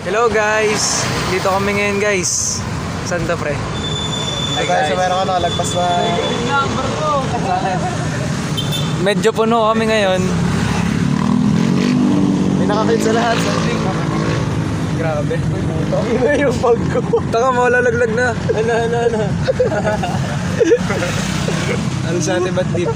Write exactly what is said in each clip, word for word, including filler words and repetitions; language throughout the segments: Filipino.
Hello guys! Dito kami ngayon guys. Santa Pre. Ay guys, so meron ka nakalagpas na number ko! Medyo puno kami ngayon. may nakakit sa lahat. Grabe. Ang ina yung bag ko. Taka mo, lalaglag na. Ano, ano, ano. Ano sa atin ba't deep?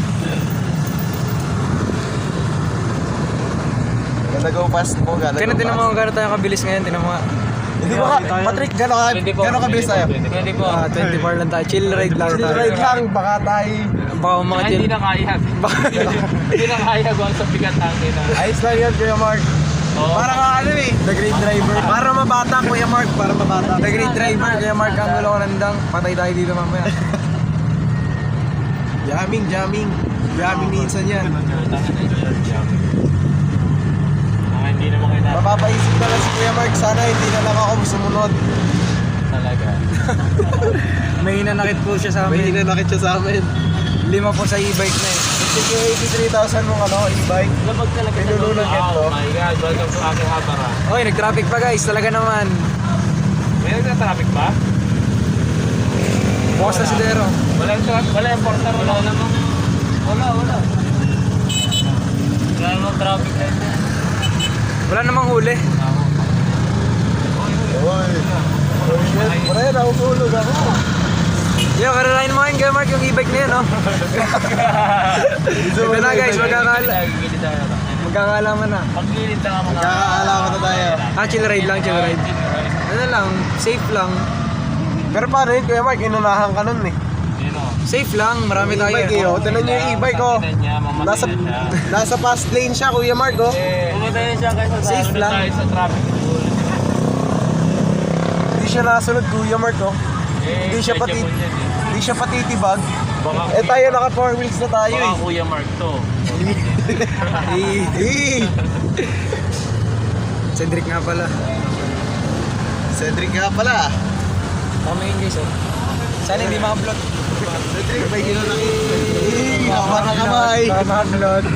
Gonna go fast mo, gonna Kaya go tinan mo fast. kung gano'n tayo kabilis ngayon. Tinan mo nga. Hindi ba ka, Patrick, gano'n ka, gano'n kabilis tayo? Ah, twenty-four lang tayo. Chill ride lang Chill tayo. ride lang, baka tayo. Baka mga Ay, chill. hindi na kaya. Hindi na kaya kung sa bigat natin. Ayos lang yan, Kuya Mark. Oo. Para ka ano eh, the great driver. Para mabata, Kuya Mark, para mabata. The great driver, kaya Mark ang gulo ko nandang. Patay tayo dito mamaya. Jamming, jamming. Jamming minsan yan. Ah, hindi naman kailangan Mapapaisip na lang si Kuya Mark, sana hindi na lang ako sumunod. talaga. May nanakit po siya sa May amin. hinanakit siya sa amin. Lima po sa e-bike na eh. Sige, eighty-three thousand mong ano, e-bike. Labag talaga May sa lolo. nulunod yan, Oh to. my God, welcome to aking habara. Oy, nag-traffic pa guys. Talaga naman. May nagka-traffic ba? Bukas na si Dero. Wala yung traffic, wala yung porter, wala namang... Wala, wala. Wala namang traffic na yun. Wala namang huli. Oy. Oh shit, pre, nahuhulog ako. Yo, kararain mo ngayon, Kuya Mark, yung e-bike na yun, no? Ito na guys, magkakala Gilid tayo. magkakalaman na. Pag-gilid na nga mga... Magkakaalaman na tayo. Ah, chill ride lang, chill ride. Ano lang, safe lang. Pero paano yun, Kuya Mark, inunahan ka nun eh. Yun o. Safe lang, marami tayo. E-bike eh, oh. Tinan niyo yung e-bike oh. Nasa, nasa fast lane siya, Kuya Mark oh. Pumunta yun siya kasi sa Safe lang. tayo sa traffic rule. Hindi siya nasunod, Kuya Mark oh. Eh, Hindi siya pati- check mo yan eh. Hindi siya patitibag. Baka, Eh tayo naka four wheels na tayo baka eh. Kuya Mark to. Eh, Cedric nga pala. Cedric nga pala. Kami yun guys, oh. Sana hindi maka-upload. Cedric, may ginanakit. Eh, haba na kamay. Maka-upload.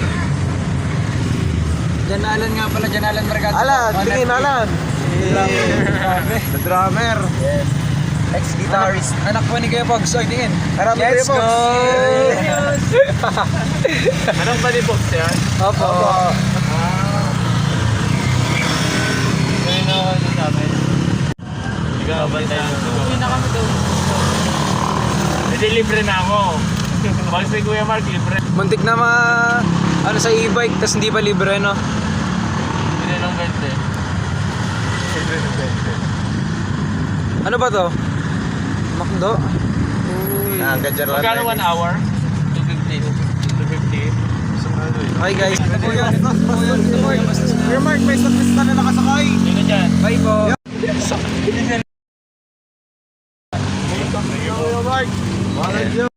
Jan Alan nga pala, Jan Alan Mercado. Alan, tingin Alan. Grabe. The drummer. Yes. Ex-guitarist. Anak po ni Kuya Pogs, oy, tingin. Harap ni Let's Kuya go! Pogs. Anong ba ni Box yan? Opo. Opo. Kaya na ako ito sa amin. Ikaw ba tayo? Uwi na kami doon. Hindi, libre na ako. Pag si Kuya Mark, libre. Muntik na ma... ano sa e-bike, tas hindi pa libre, no? Hindi ng twenty. Ano ba to? Makdo? Ah, ganyan lang. Magkano one hour? two fifty. two fifty. Okay guys. Kuya Mark, may statista na nakasakay. Sino dyan? Bye po. Kuya Mark. Wala dyan.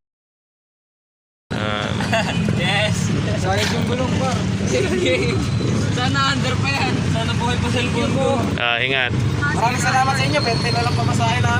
Yes! Sayang yung gulong pa. Sana under pa yan. Sana buhay pa cellphone ko. Ah, ingat. Maraming salamat sa inyo. Pwede na lang pamasahin na.